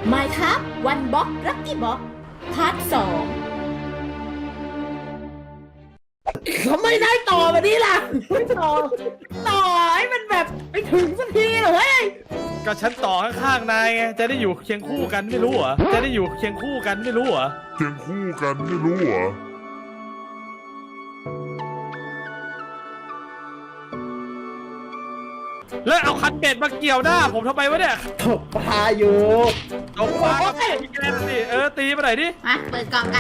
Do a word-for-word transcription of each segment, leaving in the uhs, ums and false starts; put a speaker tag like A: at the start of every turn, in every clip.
A: ไม่ครับวันบ็อกลัคกี้บ็อกพาร์ทสอง
B: ทำไมได้ต่อแบบนี้ล่ะไม่ต่อต่อให้มันแบบไปถึงสักทีเหรอเฮ้ย
C: ก็ฉันต่อข้างๆนายไงจะได้อยู่เคียงคู่กันไม่รู้เหรอจะได้อยู่เคียงคู่กันไม่รู้เหรอ
D: เคียงคู่กันไม่รู้เหรอ
C: แล้วเอาคันเบ็ดมาเกี่ยวหน้าผมทำไมวะเนี่ย
B: ตกปลาอยู่
C: ตกปลาก็ตีแกนสิเออตีมาหน่อยดิ
A: มาเปิดกล่องกัน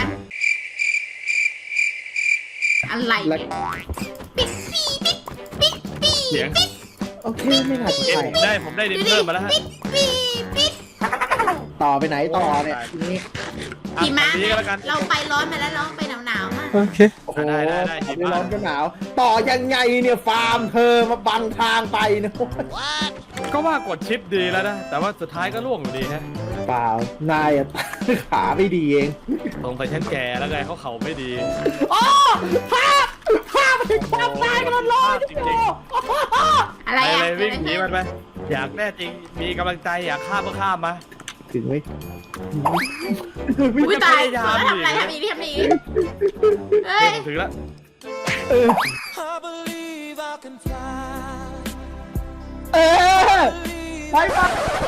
A: อะไรปิ๊กปี้ปิ๊กปิ๊กปี้
C: เสียง
B: โอเคไม่น่าจะใช่
C: ได้ผมได้ดินเพิ่มมาแล้วฮะ
A: ปิ๊กปี้ปิ๊ก
B: ต่อไปไหนต่อเนี่ยทีนี้
A: หิมะเราไปร้อนมาแล้วเราไปหนาวหนาวมา
B: โอเคโอ้โหได้ได้ได้ไม่ร้อนก็หนาวต่อยังไงเนี่ยฟาร์มเธอมาบังทางไปนะ
C: ก็ว่ากดชิปดีแล้วนะแต่ว่าสุดท้ายก็ล่วงอยู่ดีฮะ
B: เปล่านายขาไม่ดีเอง
C: ตรงไปฉันแก่แล้วไงเขาเข่าไม่ดี
B: โอ้ภาพภาพมันถึงความตายกันเลยจริง
A: ๆอะไรอะ
C: วิ่งหนีมันไปอยากแน่จริงมีกำลังใจอยากข้ามก็ข้ามมา
B: ถึงไหม
A: อุ้ยตายทำอะไรทำอีกทำอีกเฮ้ย
C: ถึงแล้ว
B: เออเออไปมา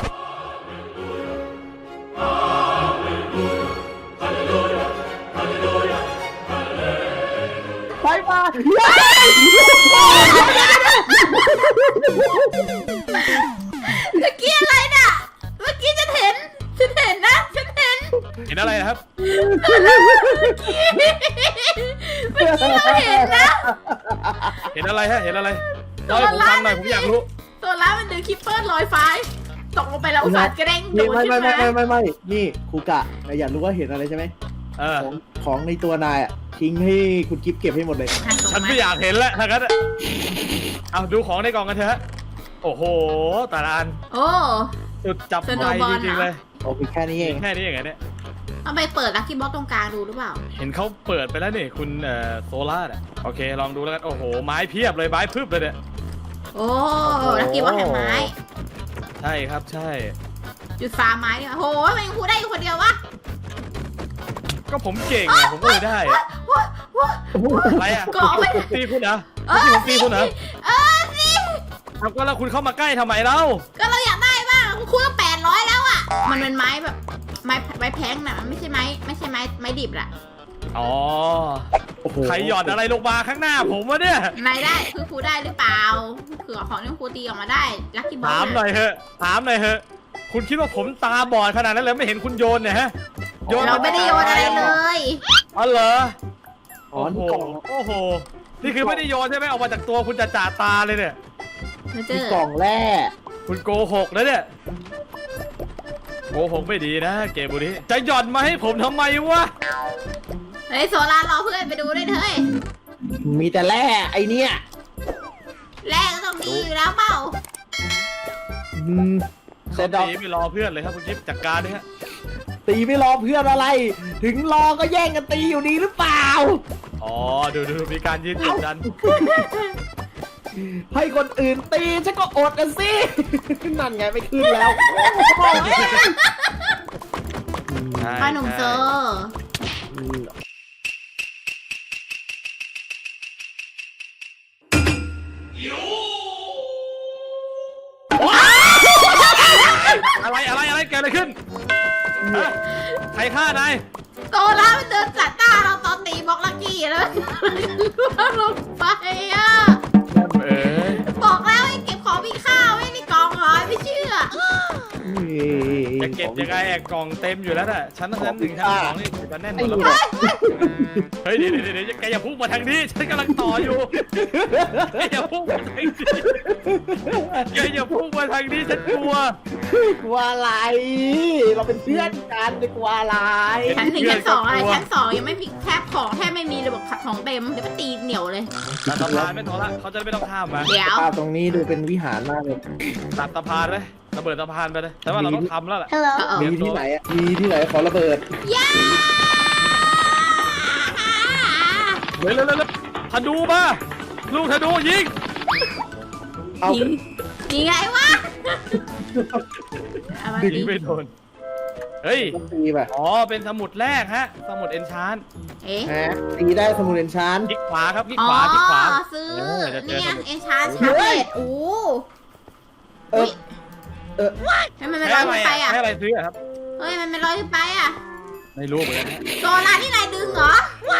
B: ไปมา
A: เมื่อกี้อะไรน่ะเมื่อกี้ฉันเห็นฉันเห็นนะฉันเห็น
C: เห็นอะไรนะครับ
A: เมื่อกี้เราเห็นนะ
C: เห็นอะไรฮะเห็นอะไรเล่าให้ผมฟังหน่อยผมอยากรู้
A: ตัวร้ายมันเดินคิปเปอร์ลอยฟ้าตกลงไปแล้วอุตส่าห์กระเด้งโดน
B: ไม่ไม่ไม่ไม่ไม่ไม่นี่ครูกะอยากรู้ว่าเห็นอะไรใช่ไหมของของในตัวนายอ่ะทิ้งให้คุณกิฟเก็บให้หมดเลย
C: ฉันไม่อยากเห็นแล้วถ้างั้นเอาดูของในกล่องกันเถอะโอ้โหตาลาน
A: โอ้
C: จุดจับไฟจริงๆเลย
B: โอ้แค่นี้เอง
C: แค่นี้เองไงเนี่ย
A: เอาไปเปิดลัคกี้บ็อกตรงกลางดูหรือเปล่า
C: เห็นเขาเปิดไปแล้วนี่คุณเอ่อโซล่าอ่ะโอเคลองดูแล้วกันโอ้โหไม้เพียบเลยไม้พึบเลยเนี่ย
A: โอ้ลัคกี้บ็อกแห่งไม้
C: ใช่ครับใช่
A: จุดฟาร์มไม้เนี่ยโหมันยังพูดได้คนเดียววะ
C: ก็ผมเก่งไงผมก็เลยได้อะไรอ่ะตีคุณเหรอคุณตีคุณเหรอ
A: เออสิ
C: แล้วก็แล้วคุณเข้ามาใกล้ทำไมเล่า
A: ก็เราอยากได้บ้างคุณก็แปดร้อยแล้วอ่ะมันเป็นไม้แบบไม้ไม้แพงน่ะไม่ใช่ไม้ไม่ใช่ไม้ไม้ดิบล่ะ
C: อ๋อใครหยอดอะไรลงมาข้างหน้าผมวะเนี่ย
A: นายได้คือครูได้หรือเปล่าคือของที่ครูตีออกมาได้ลัคกี้บ็อก
C: ถามหน่อยเถอะถามหน่อยเถอะคุณคิดว่าผมตาบอดขนาดนั้นเลยไม่เห็นคุณโยนเนี่ยฮะ
A: โยนเราไม่ได้โยนอะไรเลย
C: อ๋อเหรอ
B: โอ้โห
C: โอ้โหนี่คือไม่ได้โยนใช่ไหมออกมาจากตัวคุณจะจ่าตาเลยเนี่ย
B: มีกล่องแร่
C: คุณโกหกนะเนี่ยโกหกไม่ดีนะเกมบุรีจะหย่อนมาให้ผมทำไมวะ
A: เฮ้ยโซล่ารอเพื่อนไปดูด้วยเถอะ
B: มีแต่แร่ไอเนี้ย
A: แร่ก็ต้องดีอยู่แล้วเปล่า
C: เขาตีไม่รอเพื่อนเลยครับคุณกิ๊ฟจัดการดิฮะ
B: ตีไม่รอเพื่อนอะไรถึงรอก็แย่งกันตีอยู่ดีหรือเปล่า
C: อ๋อดูดูมีการยืนกดดัน
B: ให้คนอื่นตีฉันก็อดกันสินั่นไงไม่ขึ้นแล้ว
A: ป้าหนุ่มเซอร์
C: อะไรอะไรอะไรเกิดอะไรขึ้นใครฆ่านาย
A: โซล่ามันเดินจัดหน้าเราตอนตีบล็อกลัคกี้แล้วล่วงลงไปอ่ะบอกแล้วให้เก็บของมีค่าไว้ในกล่องหอยไม่เชื่อ
C: จะเก็บยังไงกล่องเต็มอยู่แล้วน่ะชั้นชั้นหนึ่งชั้นสองนี่จะแน่นหมดแล้วเฮ้ยเดี๋ยวเดี๋ยวแกอย่าพุ่งมาทางนี้ฉันกำลังต่ออยู่แกอย่าพุ่งมาทางนี้แกอย่าพุ่งมาทางนี้ฉันกลัว
B: กลัวอะไรเราเป็นเพื่อนกันจะกลัวอะไร
A: ชั้นหนึ่งชั้นสองอะไรชั้นสองยังไม่มีแทบของแทบไม่มีเลยบอกขัดของเต็มเดี๋ยวก็ตีเหนียวเลย
C: ตัดสะพานไม่พอละเขาจะไม่ต้องข้ามมา
A: เดี๋ยว
B: ตรงนี้ดูเป็นวิหารมากเลย
C: ตัดสะพานเลยระเบิดสะพานไปเลยแต่ว่าเราต้องทำแล้วแหละ
B: มีที่ไหนอ่ะมีที่ไหนขอระเบิด
A: ย่า
C: เร็วเร็วเร็วธนูมาลูกธนูยิง
A: ยิงยิงไงวะ
C: ยิงไม่โดนเฮ้ย
B: ต้องตีป่ะ
C: อ๋อเป็นสมุดแรกฮะสมุดเอนชาน
A: เอ๊ะ
B: ฮะตีได้สมุนเอนชาน
C: คลิกขวาครับคลิก
A: อ๋อ
C: ขวาคลิกขวา
A: ซื้อ
C: เออจะเจอ
A: เนี่ย
C: สมุด
A: เอนชานชาร์เลตโอ้
B: เออเออ
A: ทำไมมันลอยขึ้นไปอ่ะ
C: ให้อะไรซื้อครับ
A: เฮ้ยมันไม่ลอยขึ้นไปอ่ะ
C: ไม่รู้เหมือนกันฮะ
A: โซล่าที่นายดึงเหรอ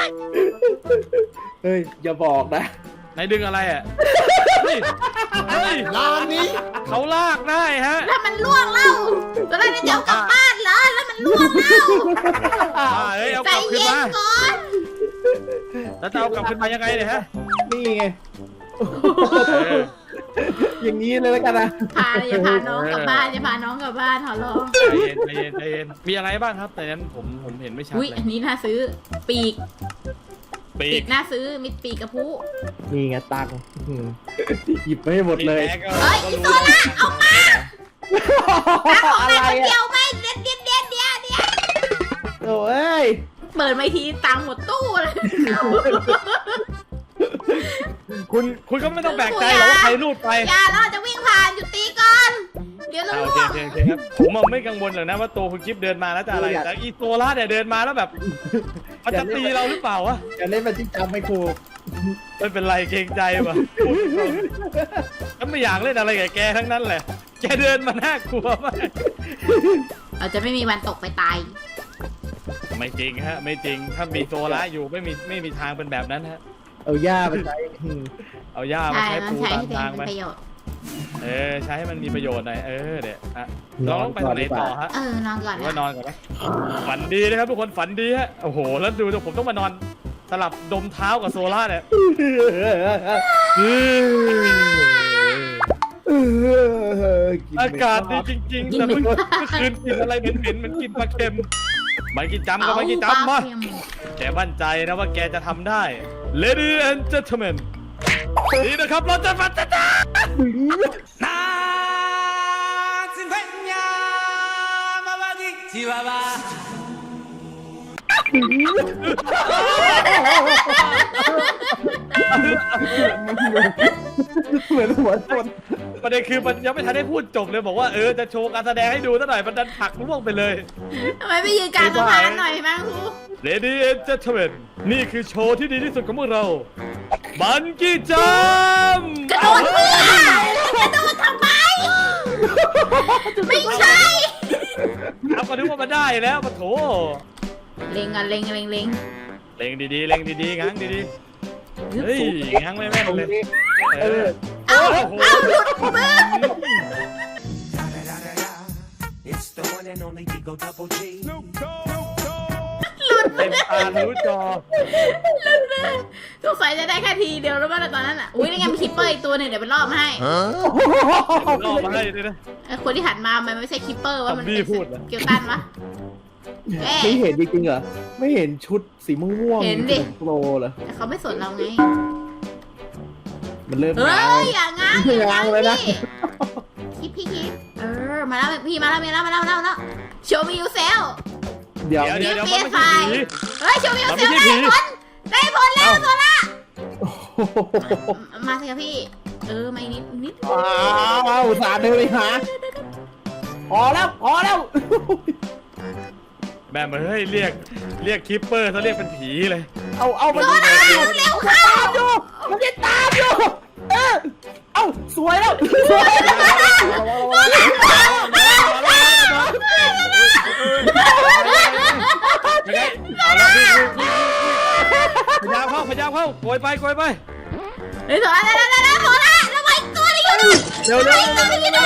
B: เฮ้ยอย่าบอกนะ
C: ไหนดึงอะไรอ่ะเฮ้ยเฮ้ย
B: ลานนี้
C: เขาลากได้ฮะ
A: แล้วมันล่วงแล้วโซล่าจะเอากลับบ้านเหรอแล้วมันล่วงแล้ว
C: อ่าเฮ้ยเอา
A: ใจ
C: กลับขึ้น
A: เย็น
C: มา
A: ก่อน
C: แล้วจะเอากลับขึ้นมายังไงเนี่ยฮะ
B: นี่ไง
C: เออ
B: อย่างนี้เลยแล้วกันนะ
A: พาอย่าพาน้องกลับบ้านอย่าพาน้องกลับบ้านขอร้อง
C: ใจเย็นใจเย็นใจเย็นมีอะไรบ้างครับ แต่นั้นผมผมเห็นไม่ชัด
A: อุ้ย
C: เล
A: อั
C: ย
A: นนี้น่าซื้อปีก
C: ปี
A: ปี
C: ก
A: กน่าซื้อมีปีกกระพุ
B: นี่ไงตังค์อืมหยิบไปให้หมดเลย
C: แกก็
A: เฮ้ยอีโซล่าเอามาตาของ
B: อะ
A: นาย
B: ไร
A: คนเดี
B: อ่ะ
A: ยวไหมเด็ดเด็ดเด็ดเดียวเดียว
B: โอ้ย
A: เปิดมาทีตังค์หมดตู้เลย
C: คุณคุณก็ไม่ต้องแบกใจหรอกว่าใครรูดไป
A: อย่าเราจะวิ่งผ่านหยุดตีก่อน เดี๋ยวเรา
C: อ่าโอ
A: ล่
C: เคว โอง เคโอเคครับผมอะไม่กังวลหรอกนะว่าตัวคุณกิฟเดินมาแล้วจะอะไรแต่อีโซล่าเนี่ยเดินมาแล้วแบบมันจะตีเราหรือเปล่าวะ
B: อย่าเล่นมันที่จำไม่ครู
C: ไม่เป็นไรเกรงใจว่ะฉันไม่อยากเล่นอะไรกับแกทั้งนั้นแหละแกเดินมาน่ากลัวมาก
A: เราจะไม่มีวันตกไปตาย
C: ไม่จริงฮะไม่จริงถ้ามีโซล่าอยู่ไม่มีไม่มีทางเป็นแบบนั้นฮะ
B: เอาย่าไปใช้อืม
C: เอาหญ้ามา
A: ใช่
C: ใช้
A: มัน
C: ปู
A: ใช้
C: ตาม
A: ให้เป็น
C: ทางไป
A: ประโยชน์
C: เออใช้ให้มันมีประโยชน์หน่อยเออเดี๋ยวอ่ะเราต้องไปทางไหนต่อฮะ
A: เออนอนก่อน
C: หรือว่า
A: นะ
C: นอนก่อนนะฝันดีนะครับทุกคนฝันดีฮะโอ้โหแล้วดูผมต้องมานอนสลับดมเท้ากับโซล่าเนี่ยอากาศดีจริงๆแต่เมื่อคืนกินอะไรเหม็นๆเหมือนกินปลาเค็มมันกินจำก็มันกินจำมาแกมั่นใจนะว่าแกจะทำได้ Lady and Gentlemen นี่นะครับเราจะมาจ้าจ้านาซิเวญามาวากิจิวาวา
B: เหมือนหัวชน
C: ประเด็นคือมันยังไม่ทันได้พูดจบเลยบอกว่าเออจะโชว์การแสดงให้ดูซะหน่อยมันดันผลักล่วงไปเลย
A: ทำไมไม่ยืนกลางสะพานหน่อยมั้งครู
C: Lady and Gentlemen นี่คือโชว์ที่ดีที่สุดของพวกเรา บันกี้จัมป์
A: กระโดดเพื่อกระโดดทำไม ไม่ใช่
C: เอาก็นึกว่ามันได้แล้วมาโถ
A: เล็งอ่ะเล็งเล็งเล็ง
C: เล็งดีๆเล็งดีๆงั้งดีๆเฮ้ยงั้งไม่แม่นเลย
B: เออ
A: เอ้าเอ้าหลุดมือ
E: It's the one and only Digo Double G.
C: เต็มตารู้จอ
A: สงสัยจะได้แค่ทีเดียวแล้วว่าตอนนั้นอ่ะ อุ้ยนี่ไงมีคิปเปอร์อีกตัวหนึ่งเดี๋ยวไปล่อมาให้
C: รอมาให้ด้วยนะ
A: ไอ้คนที่หันมามันไม่ใช่คิปเปอร์ว่ามัน
C: ซอมบี้
A: เป็น
C: พูดเหรอ
A: เกียวตันวะเอ๊ะ
B: ไม่เห็นจริงๆเหรอไม่เห็นชุดสีม่วงๆ
A: เห็นดิ
B: โปรเหรอ
A: แต่เขาไม่สนเราไง
B: มันเริ่ม
A: เฮ้
B: ง้าง
A: ยอย่างงั้นอย่างงั้น
B: ง้างเลยนะ
A: พี่คิปพี่คิปเออมาแล้วพี่มาแล้วมาแล้วมาแล้วมาแล้วมาแล้วโชว์มิวเซล
B: เดี๋ยว
C: เดี๋ยวเดี๋ยวมันไม่ใช่ผี
A: เฮ้ยโชว์มิว
C: มัน
A: เซ
C: ไม่
A: ล
C: ใช่
A: ได้
C: ผี
A: ผลได้ผลแล้วโซล่า
B: โอ้โห
A: มาสิครับพี่ เออมาอีกนิดนิด
B: อ้าวอุตส่าห์เดินไปหาพอแล้วพอแล้ว
C: แม่เฮ้ยเรียกเรียกคิปเปอร์เขาเรียกเป็นผีเลย
B: เอาเอามัน
A: โซล่าเร็วเข้า
B: ตามอยู่มันจะตามอยู่เออเอาสวยแล้วสวยแล้ว
C: เอาละพี่พยายามเข้าพยายามเข้าโกยไปโกยไป
A: เฮ้ยโซล่าได้ได้ได้โซล่าแล้วไอ้ตัวนี้อยู่
C: เร็วเร็ว
A: ตัวนี้อยู่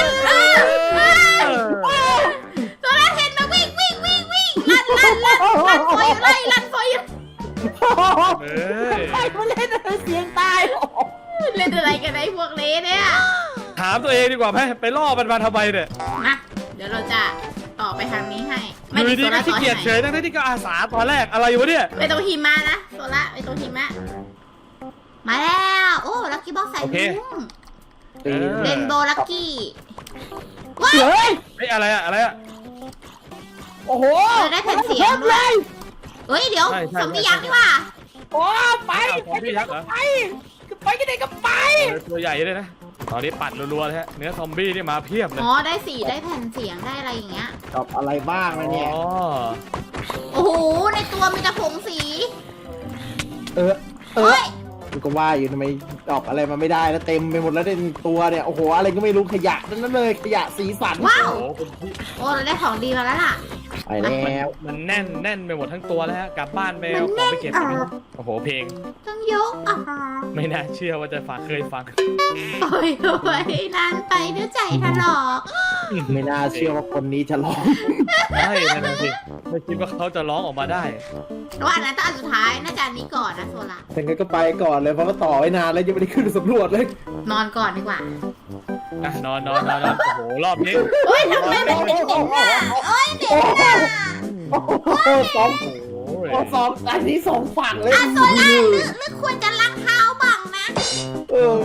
A: โซล่าเห็นมาวิ่งวิ่งวิ่งวิ่งลั่นลั่นลั่นลั่นฟอยอยู่ไล่ลั่นฟอยอยู่
C: เอ้ย
B: ไอ้มันเล่นอะไรเสียงตาย
A: เล่นอะไรกันไอ้พวกเละเนี่ย
C: ถามตัวเองดีกว่าไหมไปล่อมันมาทำไมเนี่ย
A: มาเดี๋ยวเราจะต่อไปทางนี้ให้
C: อ
A: ไม่
C: ยู่
A: มี
C: ดี
A: โซ
C: ก็
A: ล่า
C: ขี้
A: ต่อ
C: เกี
A: ให้
C: ยจ
A: ไหน
C: เฉยทั้งที่ก็อาสาตอนแรกอะไรวะเนี่ย
A: ไปตรงหิมะนะโซล่าไปตรงหิมะมาแล้วโอ้ลักกี้บ็อกใส่มุ้ง
C: เออ
A: เรนโบว์ลักกี้ว้า
B: เฮ้ย
C: เฮ้ยอะไรอะอะไรอะ
B: โอ้โห
A: ได้แผ่นเสียงด้วยเฮ้ยเดี๋ยว
C: ใช่ใช่
A: ซอมบี้ยักษ์ดีกว่า
B: โอ้ไป
C: อ้าวซอมบี้ยักษ์เหรอ
B: ไปไปกันไหนก็ไป
C: เออตัวใหญ่เลยนะตอนนี้ปัดรัวๆเลยฮะเนื้อซอมบี้นี่มาเพียบเลย
A: อ๋อได้สีได้แผ่นเสียงได้อะไรอย่างเงี้ย
B: ตอบอะไรบ้างนะเนี่ย
C: อ๋อ
A: โอ้โหในตัวมีแต่ผงสี
B: เออเอ
A: เฮ้
B: อย กูก็ว่าอยู่ทำไมตอบอะไรมาไม่ได้แล้วเต็มไปหมดแล้วในตัวเนี่ยโอ้โหอะไรก็ไม่รู้ขยะนั่นเลยขยะสีสัน
A: ว้าว
C: โอ้โหคุณพี่
A: โอ้เราได้ของดีมาแล้วล่ะ
B: ไปแล้ว
C: มันแน่นแน่นไปหมดทั้งตัวแล้วฮะกลับบ้านไป
A: มั
C: เอา
A: น
C: ข
A: แน่
C: อง
A: น
C: ไปเก็บ
A: อ่ะ
C: โอ้โหเพลง
A: ต้องยกอ่ะ
C: ไม่น่าเชื่อว่าจะฝากเคยฟัง
A: โอ้ยโอ้ยนานไปเดี๋ยวใจถลอก
B: ไม่น่าเชื่อว่าคนนี้จะร้อง
C: ใช่นั่นนะสิไม่คิดว่าเขาจะร้องออกมาได้
A: ว่าอันนั้นต้องอันสุดท้ายน่าจะอันนี้ก่อนนะโซล่า
B: แต่งั้นก็ไปก่อนเลยเพราะว่าต่อไว้นานแล้วยังไม่ได้ขึ้นสำรวจเลย
A: นอนก่อนดีกว่า
C: อ่ะนอนนอนนอนนอนโอ้โหรอบนี้
A: เฮ้ยทำไมมันเป็นอย่างนี้อ่ะเอ้ยเด็กอ่ะ
B: โอ้โหสอง
C: โอ้ย
B: โอ้สองอันนี้สองฝั่งเลย
A: อ่ะโซล่าหรือหรือควรจะล้างเท้าบ้างนะ
B: เออ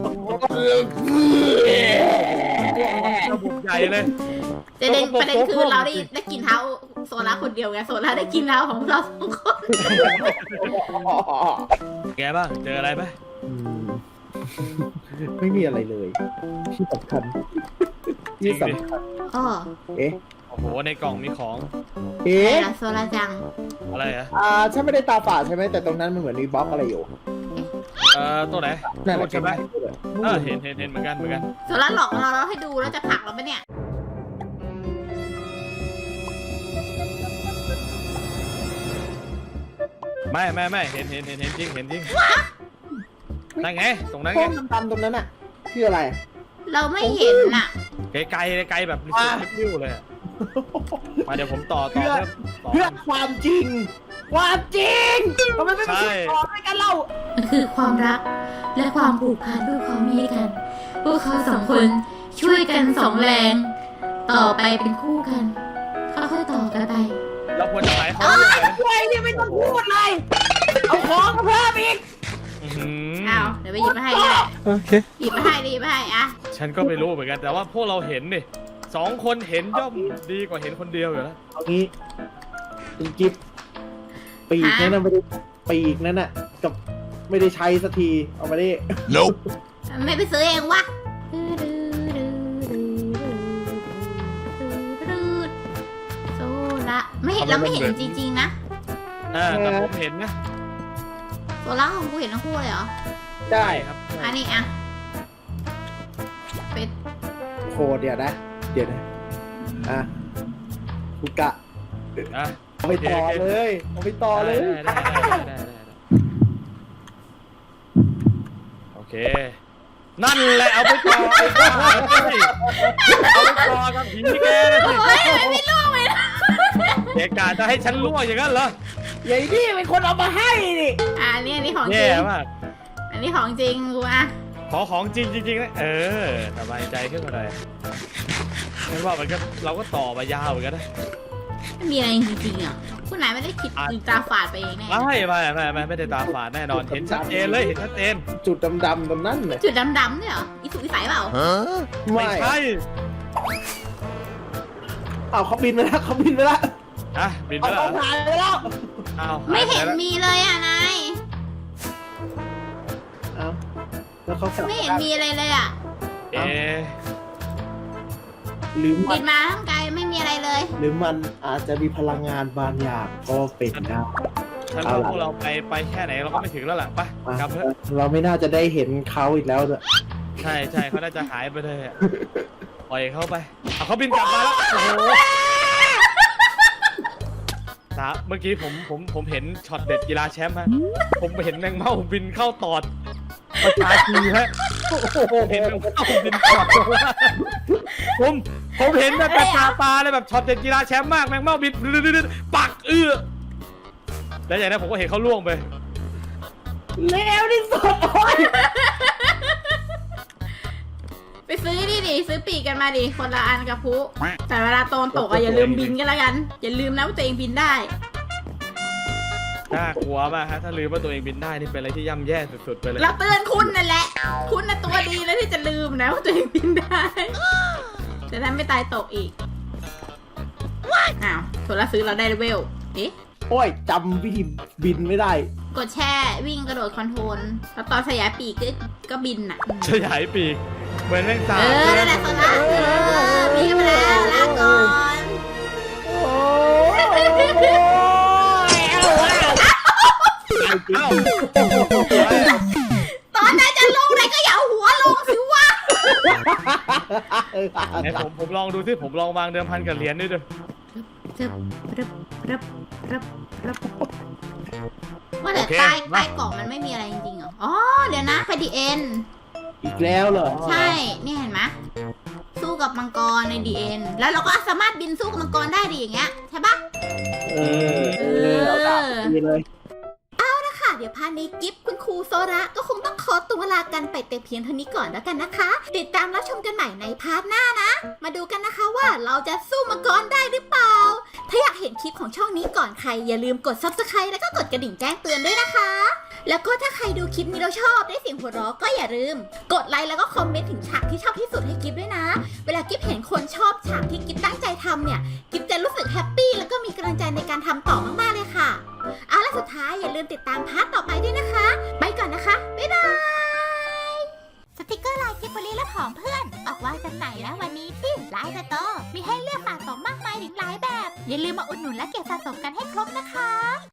C: ระบบใหญ่เลย
A: ประเด็นประเด็นคือเราได้ได้กินเท้าโซล่าคนเดียวไงโซล่าได้กินเท้าของเราสองคน
C: แกบ้างเจออะไรไหม
B: อืมไม่มีอะไรเลย ที่สำคัญที่สำคัญ
A: อ๋อ
B: เอ๊ะ
C: โอ้โหในกล่องมีของ
B: เอ๊
A: อะไร
B: ะ
A: ล่ะโซล่าจัง
C: อะไรอะ
B: อ่าฉันไม่ได้ตาฝาดใช่ไหมแต่ตรงนั้นมันเหมือนมีบล็อกอะไรอยู่
C: เอ่อตัวไหน
B: นั่นแหละ
C: ใช่ไหม
B: เอ
C: เอ
B: อ
C: อเห็นเห็นเห็นเหมือนกันเหมือนกัน
A: โซล่าหลอกเราเราให้ดูแล้วจะผลักเราไหมเนี่ย
C: ไม่ไม่ไม่เห็นเห็นเห็นเห็นจริงเห็นจริงนั่นไงตรงนั้น
B: ห้
C: ไง
B: องดำๆตรงนั้นอ่ะคืออะไร
A: เราไม่เห็นน่ะ
C: ไกลไกลไกลแบบริ
B: อ่ะ
C: บริ้วเลยอะมาเดี๋ยวผมต่อต่อ
B: เพื่อ
C: ต่อ
B: เพื่อความจริง ความจริงทำไมไม่ไป
C: ใช่
B: คิดต่อด้วยกันเล่า
A: มันคือความรักและความผูกพันด้วยความมีกัน พวกเขาสองคนช่วยกันสองแรง ต่อไปเป็นคู่กันค่อยๆต่อกันไป
C: เราควรจะหายเขาด้วยนะ
B: อะไรเนี่ยไม่ต้องพูดเลย เอาของมาเพิ่มอีก
C: อื้อหือ
A: เอาเดี๋ยวไปหยิบมาให้ก็ได้
C: โอเค
A: หยิบมาให้ดิหยิบมาให้อะ
C: ฉันก็ไม่รู้เหมือนกันแต่ว่าพวกเราเห็นนี่สองคนเห็นย่อมดีกว่าเห็นคนเดียวอยู่แล้ว
B: เอางี้คุณกิฟปีกนั่นน่ะไม่ได้ปีกนั่นน่ะกับไม่ได้ใช้สักทีเอามาดิ
D: Nope.
A: ไม่ไปซื้อเองวะโซล่าไม่เห็นเราไม่เห็นจริงๆนะ
C: อ่าแต่ผมเห็นนะ
A: โซล่าของกูเห็นทั้งคู่เลยเหรอ
B: ได้
C: ครับ
A: อันนี้อะเป็น
B: โคตรเดี๋ยวนะ เดี๋ยวนะอ่ะคุกะ
C: อ่ะ
B: เอาไปต่อเลยเอาไปต่อเลย
C: ได้ได้ได้ได้ได้ได้โอเค นั่นแหละเอาไปต่อไอ้บ้าเอาไปต่อกับผีแกนะสิ
A: โอ้ยไม่ล่วงเลยนะ
C: เด็กกาจะให้ฉันล่วงอย่างนั้นเหรอ
B: ใหญ่นี่เป็นคนเอามาให้นี่
A: อ่ะอันนี้อันนี้ของจ
C: แย่
A: ริง
C: มาก
A: อันนี้ของจริงกูอะ
C: ขอของจริงจริงๆนะเออสบายใจขึ้นมาหน่อยไม่ว่ามันก็เราก็ต่อมายาวเหมือนกันนะ
A: ไม่มีอะไรจริงๆอ่ะคุณนายไม่ได้คิดหรือตาฝาดไปเองแน่
C: ไม่ไม่ไม่ไม่ไม่ได้ตาฝาดแน่นอนเห็นชัดเจนเลยเห็นชัดเจน
B: จุดดำๆตรงนั้นเลย
A: จุดดำๆเนี่ยเหรออีสุกอีใสเปล่า
D: Huh?
C: ไม่
B: ไม่
C: ใช่
B: เอาเขาบินไปแล้วเขาบินไปแล้ว
C: อ่ะบินไป
B: เอา
C: แล้ว
B: เขาถ่ายไปแล้ว
C: อ้าว
A: ไม่เห็น
C: ายปแล้ว
A: มีเลยอ่ะนาย
B: เอาแล้วเขา
A: ไม่เห็นมีอะไรเลยอ่ะ
C: เอ๊ะ
B: หรือมั
A: บิ
B: น
A: นมาทั้งไกลไม่มีอะไรเลย
B: หรือมันอาจจะมีพลังงานบางอย่างก็เป็นได้
C: ฉันว่าพวกเราไปไปแค่ไหนเราก็ไม่ถึงแล้วล่ะไปกลับเถอะ
B: เราไม่น่าจะได้เห็นเขาอีกแล้วด้วย
C: ใช่ใช่เขาน่าจะหายไปเลยอะปล่อยเขาไปเอาเขาบินกลับมาแล้วโอ้โหตาเมื่อกี้ผมผมผมเห็นช็อตเด็ดกีฬาแชมป์ฮะผมเห็นแมงเม่าบินเข้าตอดประชาชีฮะผมเห็นแมงเม่าบินตอดผมผมเห็นแบบตาตาเลยแบบช็อตเด็ดกีฬาแชมป์มากแมงเม่าบินปักเอื้อแล้วอย่างนั้นผมก็เห็นเขาล่วงไป
B: เลวที่สุดโอ้ย
A: ไปซื้อดิดิซื้อปีกกันมาดิคนละอันกับพุแต่เวลาโตนตกอะอย่าลืมบินกันแล้วกัน อย่าลืมนะว่าตัวเองบินได้
C: น่ากลัวมากฮะถ้าลืมว่าตัวเองบินได้นี่เป็นอะไรที่ย่ำแย่สุดๆไปเลย
A: เราเตือนคุณนั่นแหละ คุณน่ะตัวดีแล้วที่จะลืมนะว่าตัวเองบินได้จะได้ไม่ตายตกอีกอ้าวโซล่าซื้อเราได้เลเวลเอ๊ะ
B: โอ้ยจำวิธีบินไม่ได้
A: กดแช่วิ่งกระโดดคอนโทรลแล้วตอนสยายปีกก็ก็บินน่ะ
C: ขยายปีกเหมือนแมงสา
A: เอบ อนั่นแหละโซล่าเออพี่มาแล้วลาก่อน
C: เอ้า
A: ตอนนั้นจะลงไหนก็อย่าเอาหัวลงสิวะ
C: ไหนผมผมลองดูสิผมลองวางเดิมพันกับเหรียญด้วยดู
A: รึบรึบรึบรึบรึบว่าแต่ใต้ใต้กล่องมันไม่มีอะไรจริงๆเหรอ อ๋อ เดี๋ยวนะไฟดีเอ็น
B: อีกแล้วเหรอ
A: ใช่ นี่เห็นไหมสู้กับมังกรในดีเอ็นแล้วเราก็สามารถบินสู้กับมังกรได้ดีอย่างเงี้ยใช่ปะ
B: เออเออเอาตามนี้เลย
A: ค่ะเดี๋ยวพาร์ทนี้กิฟคุณครูโซระก็คงต้องขอตัวลากันไปแต่เพียงเท่านี้ก่อนแล้วกันนะคะ ติดตามรับชมกันใหม่ในพาร์ทหน้านะ มาดูกันนะคะว่าเราจะสู้มังกรได้หรือเปล่า ถ้าอยากเห็นคลิปของช่องนี้ก่อนใครอย่าลืมกด ซับสไครบ์ แล้วก็กดกระดิ่งแจ้งเตือนด้วยนะคะ แล้วก็ถ้าใครดูคลิปนี้แล้วชอบได้เสียงหัวเราะก็อย่าลืม กดไลค์แล้วก็คอมเมนต์ถึงฉากที่ชอบที่สุดให้กิฟด้วยนะ เวลากิฟเห็นคนชอบฉากที่กิฟตั้งใจทำเนี่ยกิฟจะรู้สึกแฮปปี้แล้วก็มีกำลังใจในการทำต่อมากๆเลยค่ะเอาล่ะสุดท้ายอย่าลืมติดตามพาร์ทต่อไปด้วยนะคะ ไปก่อนนะคะ บ๊ายบาย สติกเกอร์ลายกิฟบรีและผองเพื่อน ออกวางจำหน่ายแล้ววันนี้ที่ไลน์สโตร์มีให้เลือกสะสมมากมายถึงหลายแบบ อย่าลืมมาอุดหนุนและเก็บสะสมกันให้ครบนะคะ